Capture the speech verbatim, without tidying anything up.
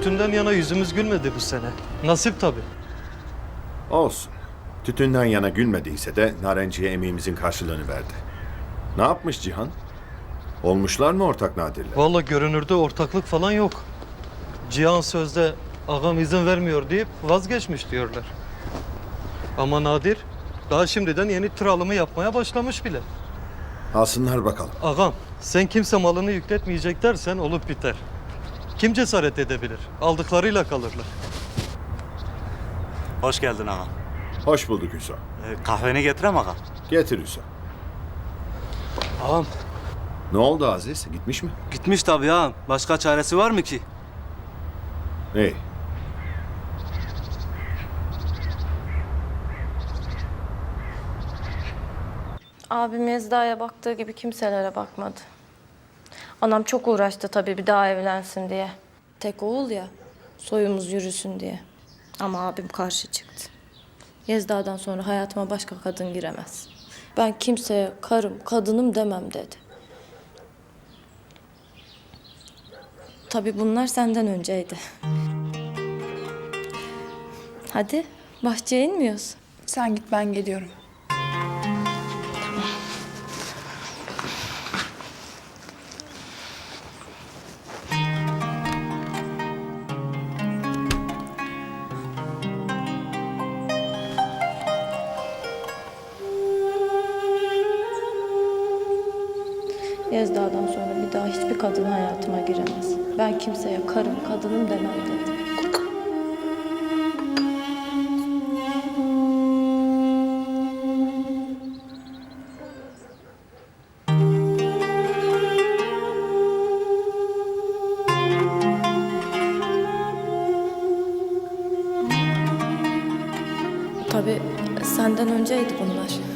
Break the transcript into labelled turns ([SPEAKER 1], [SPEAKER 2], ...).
[SPEAKER 1] tütünden yana yüzümüz gülmedi bu sene. Nasip tabii.
[SPEAKER 2] Olsun. Tütünden yana gülmediyse de Narenciye emeğimizin karşılığını verdi. Ne yapmış Cihan? Olmuşlar mı ortak Nadir'le?
[SPEAKER 1] Vallahi görünürde ortaklık falan yok. Cihan sözde ağam izin vermiyor deyip vazgeçmiş diyorlar. Ama Nadir daha şimdiden yeni tır alımı yapmaya başlamış bile.
[SPEAKER 2] Alsınlar bakalım.
[SPEAKER 1] Ağam sen kimse malını yükletmeyecek dersen olup biter. Kim cesaret edebilir? Aldıklarıyla kalırlar.
[SPEAKER 3] Hoş geldin ağam.
[SPEAKER 2] Hoş bulduk Hüso.
[SPEAKER 3] Ee, kahveni getirem ağam.
[SPEAKER 2] Getir Hüso.
[SPEAKER 4] Ağam
[SPEAKER 2] Ne oldu Aziz? Gitmiş mi?
[SPEAKER 4] gitmiş tabii ağam. Başka çaresi var mı ki?
[SPEAKER 2] İyi.
[SPEAKER 5] Abim Yezda'ya baktığı gibi kimselere bakmadı. Anam çok uğraştı tabii bir daha evlensin diye. Tek oğul ya, soyumuz yürüsün diye. Ama abim karşı çıktı. Yezda'dan sonra hayatıma başka kadın giremez. Ben kimseye karım, kadınım demem dedi. Tabii bunlar senden önceydi. Hadi bahçeye inmiyoruz.
[SPEAKER 6] Sen git, ben geliyorum.
[SPEAKER 5] Yezda'dan sonra bir daha hiçbir kadın hayatıma giremez. Ben kimseye karım, kadınım demem dedi. Tabii senden önceydi bunlar.